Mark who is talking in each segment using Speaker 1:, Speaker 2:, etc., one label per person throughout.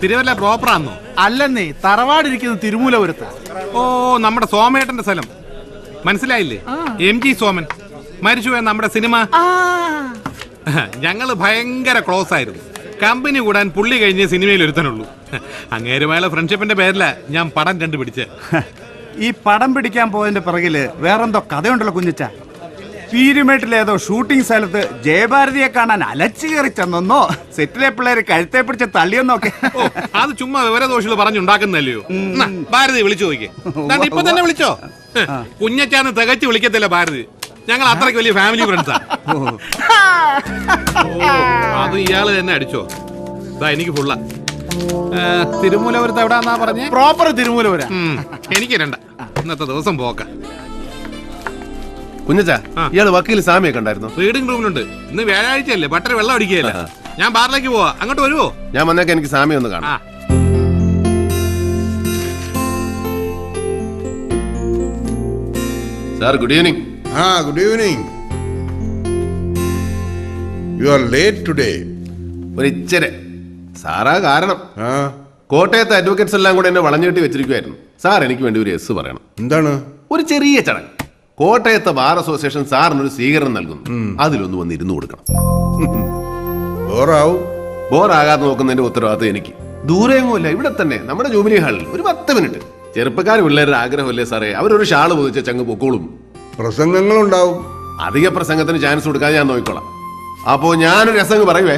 Speaker 1: തിരുവല്ല പ്രോപ്പറാന്നോ?
Speaker 2: അല്ലെന്നേ, തറവാടിരിക്കുന്നത് തിരുമൂലപുരത്ത്.
Speaker 1: ഓ, നമ്മുടെ സോമേട്ടന്റെ സ്ഥലം മനസ്സിലായില്ലേ? MG സോമൻ മരിച്ചുപോയ നമ്മുടെ സിനിമ. ഞങ്ങള് ഭയങ്കര ക്ലോസ് ആയിരുന്നു. കമ്പനി കൂടാൻ പുള്ളി കഴിഞ്ഞ സിനിമയിൽ ഒരുത്തനുള്ളൂ. അങ്ങേരുമായുള്ള ഫ്രണ്ട്ഷിപ്പിന്റെ പേരില ഞാൻ പടം കണ്ടുപിടിച്ച്.
Speaker 2: ഈ പടം പിടിക്കാൻ പോയതിന്റെ പിറകില് വേറെന്തോ കഥയുണ്ടല്ലോ കുഞ്ഞിച്ച. പീരുമേട്ടിലേതോ ഷൂട്ടിംഗ് സ്ഥലത്ത് ജയഭാരതിയെ കാണാൻ അലച്ചു കയറി ചെന്നോ, സെറ്റിലെ പിള്ളേര് കഴുത്തെ പിടിച്ച് തള്ളിയെന്നൊക്കെ.
Speaker 1: അത് ചുമ്മാ വിവരദോഷികൾ പറഞ്ഞുണ്ടാക്കുന്നല്ലയോ. ഭാരതി വിളിച്ചു നോക്കിയേ, ഇപ്പൊ തന്നെ വിളിച്ചോ. കുഞ്ഞച്ചാന്ന് തികച്ചു വിളിക്കത്തില്ല ഭാരതി. ഞങ്ങൾ അത്രയ്ക്ക് വലിയ ഫാമിലി ഫ്രണ്ട്സാ. അത് ഇയാള് തന്നെ അടിച്ചോ. എനിക്ക് ഫുള്ള. തിരുമൂലപുരത്ത് എവിടാന്നാ പറഞ്ഞേ?
Speaker 2: പ്രോപ്പർ തിരുമൂലപുര.
Speaker 1: എനിക്ക് രണ്ട. ഇന്നത്തെ ദിവസം പോക്ക.
Speaker 3: കുഞ്ഞച്ചാ, ഇയാള് വക്കീൽ സാമിയെ കണ്ടായിരുന്നു?
Speaker 1: റീഡിംഗ് റൂമിലുണ്ട്. ഇന്ന് വ്യാഴാഴ്ചയല്ലേ, ബട്ടർ വെള്ളം അടിക്കുകയല്ല. ഞാൻ ബാറിലേക്ക് പോവാ, അങ്ങോട്ട് വരുവോ?
Speaker 3: ഞാൻ വന്നേക്ക് എനിക്ക് സാമിയെ ഒന്ന് കാണാം. Sir, good evening.
Speaker 4: Good evening. You are late today.
Speaker 3: ഒരു ഇച്ചരെ സാറാ കാരണം. കോട്ടയത്തെ അഡ്വക്കേറ്റ്സ് എല്ലാം കൂടെ എന്നെ വളഞ്ഞുകെട്ടി വെച്ചിരിക്കുവായിരുന്നു. സാർ, എനിക്ക് വേണ്ടി ഒരു എസ് പറയണം.
Speaker 4: എന്താണ്?
Speaker 3: ഒരു ചെറിയ ചടങ്ങ്. കോട്ടയത്തെ ബാർ അസോസിയേഷൻ സാറിനൊരു സ്വീകരണം നൽകുന്നു. അതിലൊന്ന് വന്ന് ഇരുന്ന് കൊടുക്കണം. ബോറാകാതെ നോക്കുന്നതിന്റെ ഉത്തരവാദിത്തം എനിക്ക്. ദൂരെയൊന്നുമില്ല, ഇവിടെ തന്നെ നമ്മുടെ ജൂബിലി ഹാളിൽ ഒരു 10 മിനിറ്റ്. ചെറുപ്പക്കാർ പിള്ളേരുടെ ആഗ്രഹമല്ലേ സാറേ, അവരൊരു ഷാള് പൊതിച്ച ചങ്ങ് പൊക്കോളും.
Speaker 4: പ്രസംഗങ്ങളുണ്ടാവും.
Speaker 3: അധിക പ്രസംഗത്തിന് ചാൻസ് കൊടുക്കാതെ ഞാൻ നോക്കിക്കോളാം. അപ്പോ ഞാനൊരു രസങ്ങ് പറയുവേ.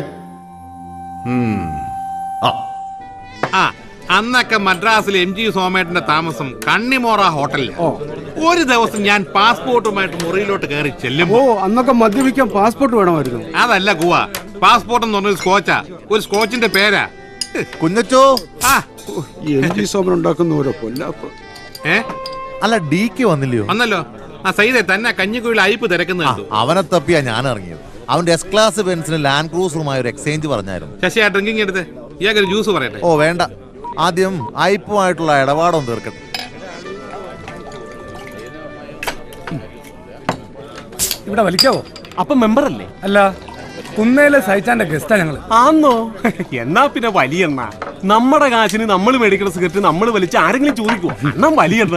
Speaker 1: അന്നൊക്കെ മദ്രാസിൽ MG സോമേട്ടന്റെ താമസം കണ്ണിമോറ ഹോട്ടലിൽ. ഒരു ദിവസം ഞാൻ പാസ്പോർട്ടുമായിട്ട് മുറിയിലോട്ട് കയറി ചെല്ലുമ്പോ
Speaker 2: അന്നൊക്കെ മദ്യപിക്കാൻ പാസ്പോർട്ട് വേണമായിരുന്നു.
Speaker 1: അതല്ല കുവ, പാസ്പോർട്ട് എന്ന് പറഞ്ഞൊരു സ്കോച്ചാ. ഒരു സ്കോച്ചിന്റെ പേരാ.
Speaker 5: കുഞ്ഞച്ചോ,
Speaker 2: MG സോമൻ ഉണ്ടാക്കുന്ന ഓരോ പൊല്ലാപ്പ്.
Speaker 5: അല്ല, DK വന്നില്ലയോ?
Speaker 1: വന്നല്ലോ. സൈദെ തന്നെ കഞ്ഞിക്കുഴിയിൽ അയപ്പ് തിരക്കുന്നുണ്ട്.
Speaker 5: അവനെ തപ്പിയാ ഞാൻ ഇറങ്ങിയത്. അവന്റെ S ക്ലാസ് ബെൻസിന് ലാൻഡ് ക്രൂസറുമായി ഒരു എക്സ്ചേഞ്ച് പറഞ്ഞായിരുന്നു.
Speaker 1: ശശി, ആ ഡ്രിങ്കിങ് എടുത്ത് ഇയാൾക്കൊരു ജ്യൂസ് പറയട്ടെ.
Speaker 5: ഓ വേണ്ട, ആദ്യം അയപ്പുമായിട്ടുള്ള ഇടപാടൊന്നും തീർക്കട്ടെ.
Speaker 6: ഇവിടെ വലിക്കാവോ? അപ്പം മെമ്പർ അല്ലേ? അല്ല, കുന്നേലെ സഹിച്ചാന്റെ ഗസ്റ്റാ ഞങ്ങള്. ആന്നോ? എന്നാ പിന്നെ വലിയെണ്ണ. നമ്മുടെ കാശിന് നമ്മൾ മേടിക്കുന്ന സിഗരറ്റ് നമ്മൾ വലിച്ച് ആരെങ്കിലും ചോദിക്കുവോ? എന്നാ വലിയെണ്ണ.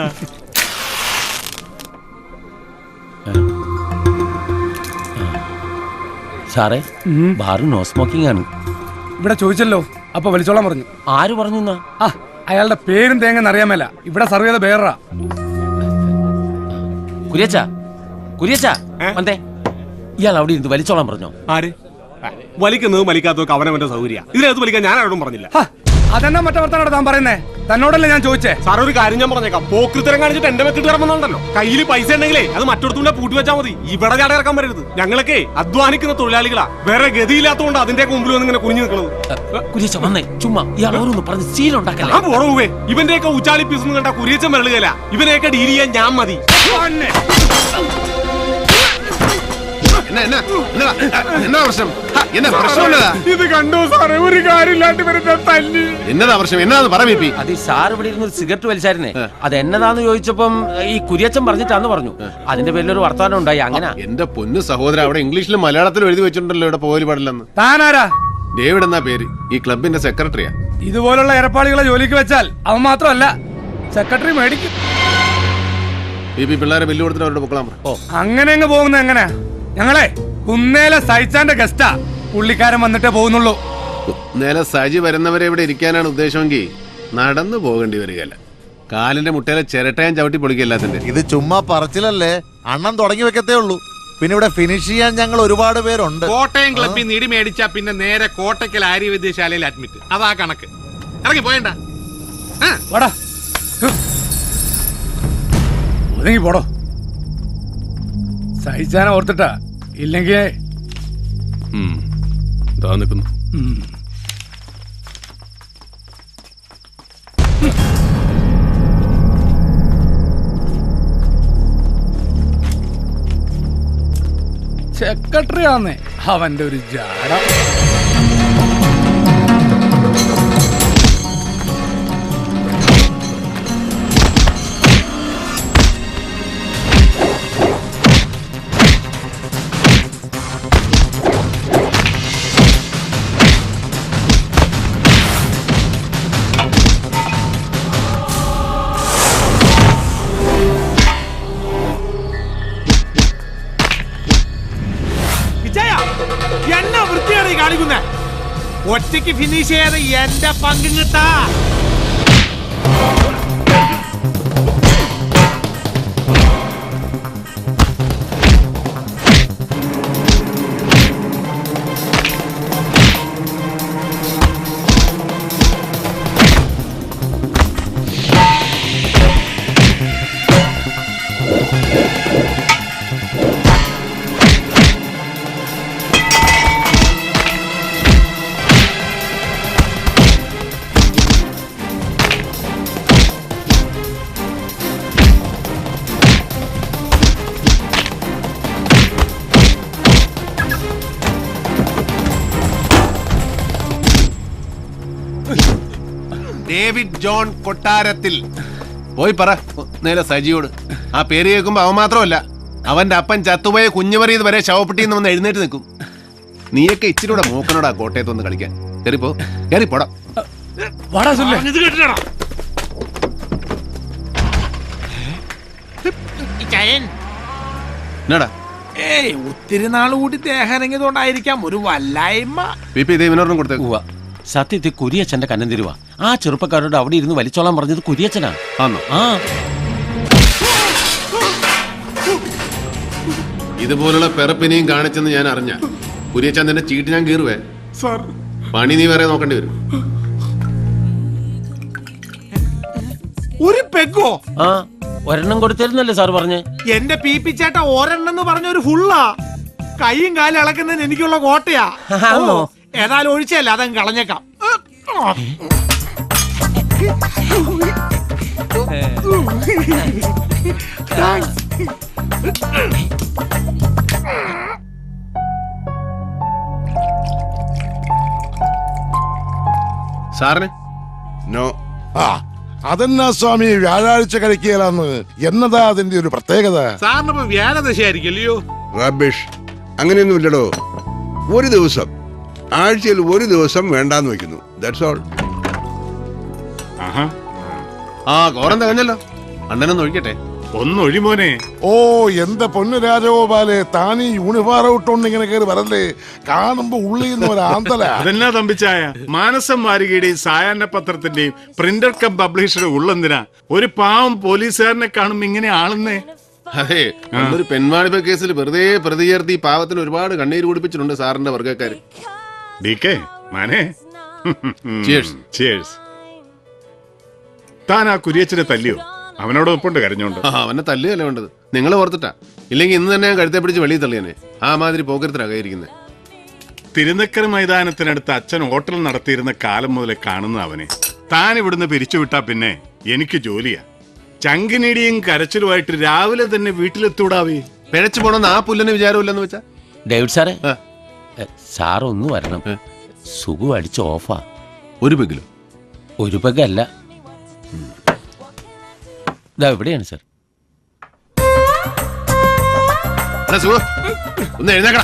Speaker 7: സാറേ, ബാറ് നോ സ്മോക്കിംഗ് ആണ്.
Speaker 6: ഇവിടെ ചോദിച്ചല്ലോ, അപ്പൊ വലിച്ചോളാൻ പറഞ്ഞു.
Speaker 7: ആര് പറഞ്ഞു?
Speaker 6: അയാളുടെ പേരും തേങ്ങന്ന് അറിയാമല്ല. ഇവിടെ സർവ് ചെയ്ത പേരാ.
Speaker 7: കുര്യച്ചാ, കുര്യച്ചാ വന്നേ. ഇയാൾ അവിടെ ഇരുന്ന് വലിച്ചോളാൻ പറഞ്ഞോ?
Speaker 6: ആര് വലിക്കുന്നതും വലിക്കാത്തതൊക്കെ അവനവന്റെ സൗകര്യ. ഇതിനകത്ത് വലിക്കാൻ ഞാൻ ആരോടും പറഞ്ഞില്ല. അതെന്നാ മറ്റേ വർത്താനോട് താൻ പറയുന്നേ? തന്നോടല്ലേ ഞാൻ ചോദിച്ചേ. സാർ, ഒരു കാര്യം ഞാൻ പറഞ്ഞേക്കാം. പോക്കൃത്തരം കാണിച്ചിട്ട് എന്റെ വെക്കിട്ട് ഇറങ്ങുന്നുണ്ടല്ലോ. കയ്യിൽ പൈസ ഉണ്ടെങ്കിലേ അത് മറ്റൊരുത്തൂടെ പൂട്ടി വെച്ചാൽ മതി. ഇവിടെ ചാടി ഇറക്കാൻ വരരുത്. ഞങ്ങളൊക്കെ അധ്വാനിക്കുന്ന തൊഴിലാളികളാ. വേറെ ഗതിയില്ലാത്തതുകൊണ്ട് അതിന്റെ മുമ്പിൽ വന്ന് ഇങ്ങനെ കുനിഞ്ഞു നിൽക്കുന്നത്.
Speaker 7: കുര്യച്ച വന്നേ, ചുമ്മാ ഇയാൾ ഓരോന്ന് പറഞ്ഞ് സീലുണ്ടാക്കല്ലേ.
Speaker 6: ഞാൻ പോറവേ. ഇവന്റെയൊക്കെ ഉച്ചാളി പീസ് കണ്ട കുരിയച്ചൻ വരളുകയില്ല. ഇവനെയൊക്കെ ഡീൽ ചെയ്യാൻ ഞാൻ മതി.
Speaker 3: എന്നാ പ്രശ്നം? എന്നാ പ്രശ്നമുള്ളതാ?
Speaker 6: ഇത് കണ്ടോ സാറേ, ഒരു കാര്യമില്ലാണ്ട് വരുന്ന തല്ലി.
Speaker 3: എന്നതാ പ്രശ്നം? എന്നാന്ന് പറ.
Speaker 7: അത് ഈ സാർ ഇവിടെ ഇരുന്ന് സിഗരറ്റ് വലിച്ചായിരുന്നേ. അത് എന്നതാന്ന് ചോദിച്ചപ്പം ഈ കുര്യച്ചൻ പറഞ്ഞിട്ടാന്ന് പറഞ്ഞു. അതിന്റെ പേരിലൊരു വർത്തമാനം ഉണ്ടായി. അങ്ങനെ
Speaker 3: എന്റെ പൊന്നു സഹോദരൻ, അവിടെ ഇംഗ്ലീഷിലും മലയാളത്തിലും എഴുതി വെച്ചിട്ടുണ്ടല്ലോ ഇവിടെ പോകല് പാടില്ലെന്ന്.
Speaker 6: താനാരാ?
Speaker 3: ഡേവിഡ് എന്നാ പേര്. ഈ ക്ലബിന്റെ സെക്രട്ടറിയാ.
Speaker 6: ഇതുപോലുള്ള ഏർപ്പാടുകളെ ജോലിക്ക് വെച്ചാൽ അവൻ മാത്രമല്ല സെക്രട്ടറി മേടിക്കും.
Speaker 3: പിള്ളേരെ ബില്ല് കൊടുത്തിട്ട് അവരുടെ പൊക്കളാൻ.
Speaker 6: അങ്ങനെ അങ്ങ് പോകുന്നത് എങ്ങനെയാ? ഞങ്ങളെ കുന്നേലെ സഹിച്ചാന്റെ ഗസ്റ്റാ. പുള്ളിക്കാരൻ വന്നിട്ടേ പോകുന്നുള്ളൂ.
Speaker 3: കുന്നേലെ സജി വരുന്നവരെ ഇവിടെ ഇരിക്കാനാണ് ഉദ്ദേശമെങ്കിൽ നടന്നു പോകേണ്ടി വരികയല്ല. കാലിന്റെ മുട്ടയിലെ ചിരട്ടയും ചവിട്ടി പൊളിക്കല്ലാത്തിന്റെ.
Speaker 5: ഇത് ചുമ്മാ പറച്ചിലല്ലേ, അണ്ണൻ തുടങ്ങി വെക്കത്തേ ഉള്ളൂ. പിന്നെ ഇവിടെ ഫിനിഷ് ചെയ്യാൻ ഞങ്ങൾ ഒരുപാട് പേരുണ്ട്.
Speaker 1: കോട്ടയം ക്ലബിൽ നിന്ന് ഇടി മേടിച്ചാ പിന്നെ നേരെ കോട്ടയ്ക്കൽ ആര്യവൈദ്യശാലയിൽ അഡ്മിറ്റ്. അതാ കണക്ക്. ഇറങ്ങി പോയണ്ട.
Speaker 6: ഒതുങ്ങി പോടോ. സഹിച്ചാനെ ഓർത്തിട്ടാ. ഇല്ലെങ്കിൽ സെക്രട്ടറി ആന്നേ അവന്റെ ഒരു ജാട. ഒറ്റയ്ക്ക് ഫിനിഷ് ചെയ്യാതെ എന്റെ പങ്കും കിട്ടാ.
Speaker 3: ഡേവിഡ് ജോൺ കൊട്ടാരത്തിൽ. പോയി പറ നേരെ സജിയോട്. ആ പേര് കേൾക്കുമ്പോ അവൻ മാത്രമല്ല, അവന്റെ അപ്പൻ ചത്തുപോയ കുഞ്ഞുമറിയത് വരെ ശവപ്പെട്ടിന്ന് വന്ന് എഴുന്നേറ്റ് നിൽക്കും. നീയൊക്കെ ഇച്ചിരി കൂടെ മൂക്കനോടാ കോട്ടയത്ത് വന്ന് കളിക്കാൻ. കയറിപ്പോ, കയറിപ്പോടാ. എന്നാടാ
Speaker 6: ഏയ് ഒത്തിരി നാൾ കൂടി ദേഹനങ്ങിയതുകൊണ്ടായിരിക്കാം ഒരു വല്ലായ്മ.
Speaker 3: പി ദേവിനോടും കൊടുത്തേക്കുവാ.
Speaker 7: സത്യത്തിൽ കുരിയച്ഛന്റെ കന്നം തരുവാ. ആ ചെറുപ്പക്കാരോട് അവിടെ ഇരുന്ന് വലിച്ചോളാൻ പറഞ്ഞത് കുരിയച്ഛനാ.
Speaker 3: ആണോ?
Speaker 7: ആ
Speaker 3: ഇതുപോലുള്ള പെറപ്പിനെയും കാണിച്ചെന്ന് ഞാൻ അറിഞ്ഞ കുരിയച്ചാൻ തന്നെ ചീട്ട് ഞാൻ കീറുവേ. പണി നീ വേറെ നോക്കേണ്ടി വരും.
Speaker 6: ഒരു പെഗോ?
Speaker 7: ആ ഒരെണ്ണം കൊടുത്തിരുന്നല്ലേ സാർ പറഞ്ഞ്.
Speaker 6: എന്റെ പി പി ചേട്ട ഒരെണ്ണം എന്ന് പറഞ്ഞ ഒരു ഫുള്ളാ. കൈയും കാലും ഇളക്കുന്നതിന് എനിക്കുള്ള കോട്ടയാ.
Speaker 7: ആണോ?
Speaker 6: ഏതായാലും ഒഴിച്ചല്ല, അതങ്ങ് കളഞ്ഞേക്കാം.
Speaker 3: സാറിന്
Speaker 4: നോ.
Speaker 8: അതെന്നാ സ്വാമി വ്യാഴാഴ്ച കഴിക്കുകയാണെന്ന്? എന്നതാ അതിന്റെ ഒരു പ്രത്യേകത?
Speaker 1: സാറിനിപ്പോ വ്യാഴദശയായിരിക്കല്ലയോ?
Speaker 4: റബിഷ്, അങ്ങനെയൊന്നുമില്ലടോ. ഒരു ദിവസം, ആഴ്ചയിൽ ഒരു ദിവസം വേണ്ടാന്ന് വെക്കുന്നു. That's all.
Speaker 3: ആ കോറം തികഞ്ഞല്ലോ. അണ്ണനൊന്ന് ഒഴിക്കട്ടെ.
Speaker 1: ഒന്നൊഴിമോനെ.
Speaker 8: ഓ എന്റെ പൊന്നു രാജഗോപാലെ, താനീ യൂണിഫോം ഇട്ടോണ്ട് ഇങ്ങനെ കയറി വരല്ലേ? കാണുമ്പോ ഉള്ളിൽ നിന്ന് ഒരു ആന്തല.
Speaker 9: അതെന്നാ തമ്പിച്ചായ, മാനസം വാരികയുടെയും സായാഹ്ന പത്രത്തിന്റെയും പ്രിന്റർ കം പബ്ലിഷറുടെ ഉള്ളെന്തിനാ ഒരു പാവം പോലീസുകാരനെ കാണുമ്പോ ഇങ്ങനെ ആളുന്നേ?
Speaker 3: അതെ, ഒരു പെൺവാണിഭ കേസിൽ വെറുതെ പ്രതി ചേർത്ത് ഈ പാവത്തിന് ഒരുപാട് കണ്ണീര് കുടിപ്പിച്ചിട്ടുണ്ട് സാറിന്റെ വർഗ്ഗക്കാര്.
Speaker 9: ഡി.കെ. മാനേ,
Speaker 3: Cheers.
Speaker 9: Cheers. താൻ ആ കുരിയച്ചനെ തല്ലിയോ? അവനോട് ഒപ്പുണ്ട് കരഞ്ഞോണ്ട്.
Speaker 3: അവനെ തല്ലുകയല്ലേ വേണ്ടത്, നിങ്ങൾ ഓർത്തിട്ടാ. ഇല്ലെങ്കിൽ ഇന്ന് തന്നെ ഞാൻ കഴുത്തെ പിടിച്ച് വെളിയിൽ തള്ളിയനെ. ആ മാതിരി പോക്കരത്തിലാകായിരിക്കുന്നത്.
Speaker 9: തിരുനക്കര മൈതാനത്തിനടുത്ത് അച്ഛൻ ഹോട്ടൽ നടത്തിയിരുന്ന കാലം മുതലേ കാണുന്ന അവനെ താൻ ഇവിടുന്ന് പിരിച്ചുവിട്ടാ പിന്നെ എനിക്ക് ജോലിയാ. ചങ്കിനീടിയും കരച്ചിലുമായിട്ട് രാവിലെ തന്നെ വീട്ടിലെത്തൂടാവേ.
Speaker 3: പിഴച്ചു പോണെന്ന് ആ പുല്ലന് വിചാരമില്ലെന്ന് വെച്ചാ.
Speaker 7: ഡേവിഡ് സാറേ, സാർ ഒന്ന് വരണം. സുഖം അടിച്ച് ഓഫാ.
Speaker 3: ഒരു പെഗിലോ?
Speaker 7: ഒരു പെഗല്ല, ഇതാ ഇവിടെയാണ് സാർ.
Speaker 3: ഒന്ന് എഴുന്നേക്കടാ.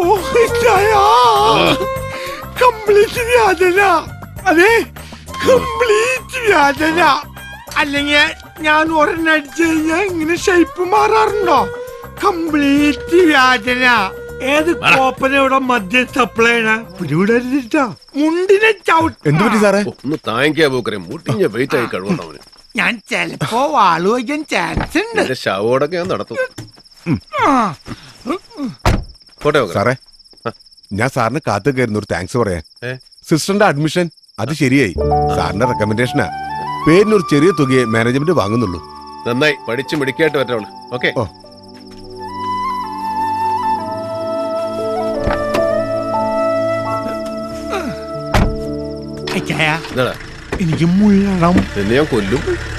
Speaker 6: കംപ്ലീറ്റ് വ്യാജന. അതെ, കംപ്ലീറ്റ് വ്യാജന. അല്ലെങ്കിൽ ഞാൻ ഒരെണ്ണം അടിച്ചു കഴിഞ്ഞാൽ ഇങ്ങനെ ഷേപ്പ് മാറാറുണ്ടോ? കംപ്ലീറ്റ് വ്യാജന. ഏത് കോപ്പന ഇവിടെ മദ്യം സപ്ലൈ ചെയ്യണ മുണ്ടിനെ ചവിട്ട്.
Speaker 8: എന്തുപറ്റി സാറേ?
Speaker 3: ഒന്ന് താങ്ങിക്കാ പോക്കരെ, മുട്ടിഞ്ഞ വെയിറ്റ് ആയി കഴിവുന്നവന്.
Speaker 6: ഞാൻ ചെലപ്പോ വാള് വയ്ക്കാൻ ചാൻസ് ഉണ്ട്.
Speaker 3: ശവോടൊക്കെ ഞാൻ നടത്തും. പോട്ടെ
Speaker 8: സാറേ, ഞാൻ സാറിന് കാത്തു കയറുന്ന ഒരു താങ്ക്സ് പറയാൻ. സിസ്റ്ററിന്റെ അഡ്മിഷൻ അത് ശരിയായി. സാറിന്റെ റെക്കമെൻഡേഷനാ. പേരിനൊരു ചെറിയ തുകയെ മാനേജ്മെന്റ് വാങ്ങുന്നുള്ളൂ.
Speaker 3: നന്നായി പഠിച്ചു മിടിക്കായിട്ട് പറ്റുള്ളൂ. ഓക്കെ.
Speaker 6: എനിക്ക് മുള്ളണം.
Speaker 3: എന്നെ ഞാൻ കൊല്ലും.